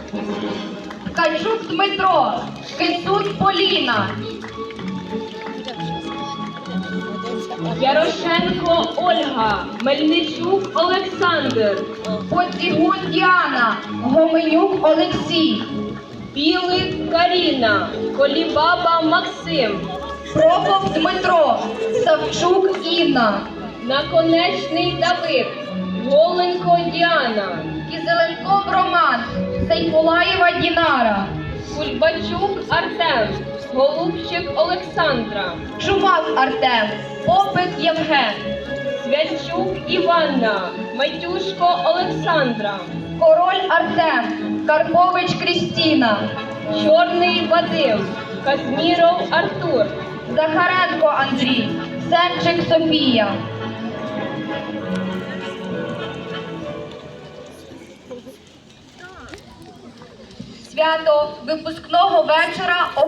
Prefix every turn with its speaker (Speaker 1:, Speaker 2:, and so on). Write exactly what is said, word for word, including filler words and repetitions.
Speaker 1: Ткачук Дмитро, Кицут Поліна,
Speaker 2: Ярошенко Ольга, Мельничук Олександр,
Speaker 1: Поцігун Діана, Гоменюк Олексій,
Speaker 2: Білик Каріна, Колібаба Максим,
Speaker 1: Прокоп Дмитро, Савчук Інна,
Speaker 2: Наконечний Давид, Голенько Діана,
Speaker 1: Кізеленков Роман, Сайфулаєва Дінара,
Speaker 2: Кульбачук Артем, Голубчик Олександра,
Speaker 1: Чумак Артем, Попит Євген,
Speaker 2: Свячук Іванна, Матюшко Олександра,
Speaker 1: Король Артем, Карпович Крістіна,
Speaker 2: Чорний Вадим, Казміров Артур,
Speaker 1: Захаренко Андрій, Сенчик Софія. Свято випускного вечора